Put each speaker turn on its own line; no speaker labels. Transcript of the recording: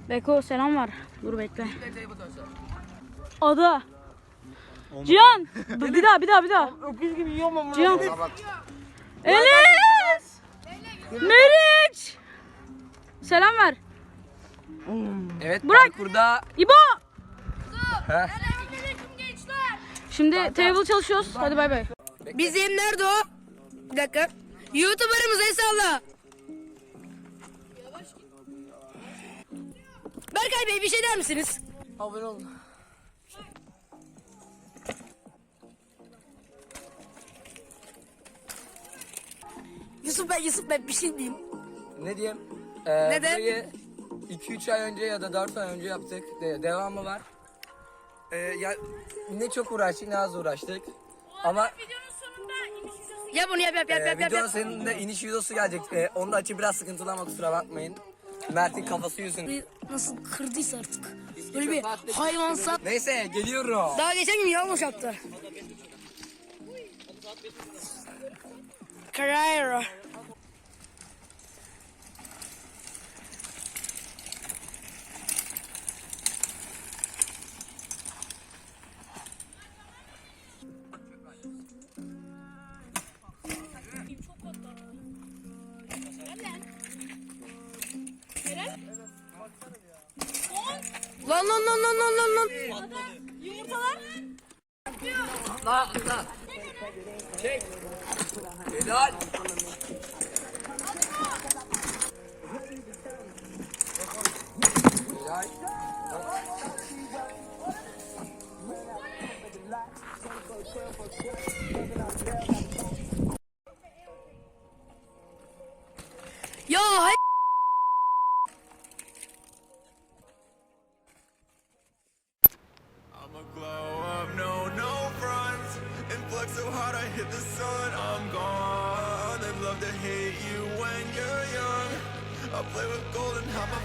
Beko selam var. Dur bekle. Ada. Cihan. Bir daha.
Öküz gibi yiyorum ama.
Cihan. Enes. Meriç. Selam ver.
Evet,
Burak.
parkurda.
İbo.
Heh.
Şimdi table çalışıyoruz. Hadi bay bay.
Bizim nerede o? Bir dakika. YouTuber'ımız Esallah. Berkay Bey bir şey der misiniz?
Abone olun.
Yusuf Bey bir şey diyeyim.
Ne diyeyim?
Neden?
Burayı 2-3 ay önce ya da 4 ay önce yaptık. Devamı var. Ya ne çok uğraştık ne az uğraştık. Ama
Yap onu yap.
videonun sonunda iniş videosu gelecek. Onu da açıp biraz sıkıntılı ama kusura bakmayın. Mert'in kafası yüzünden.
Nasıl kırdıysa artık. Böyle bir hayvansal.
Neyse geliyorum.
Daha geçen gün yanlış yaptı. Carrera. Lan.
Yumurtalar.
Atla. Çek. Helal. Helal.
Ya hay.
I'ma glow up, no fronts. And flex so hard I hit the sun. I'm gone. They love to hate you when you're young. I play with gold and have my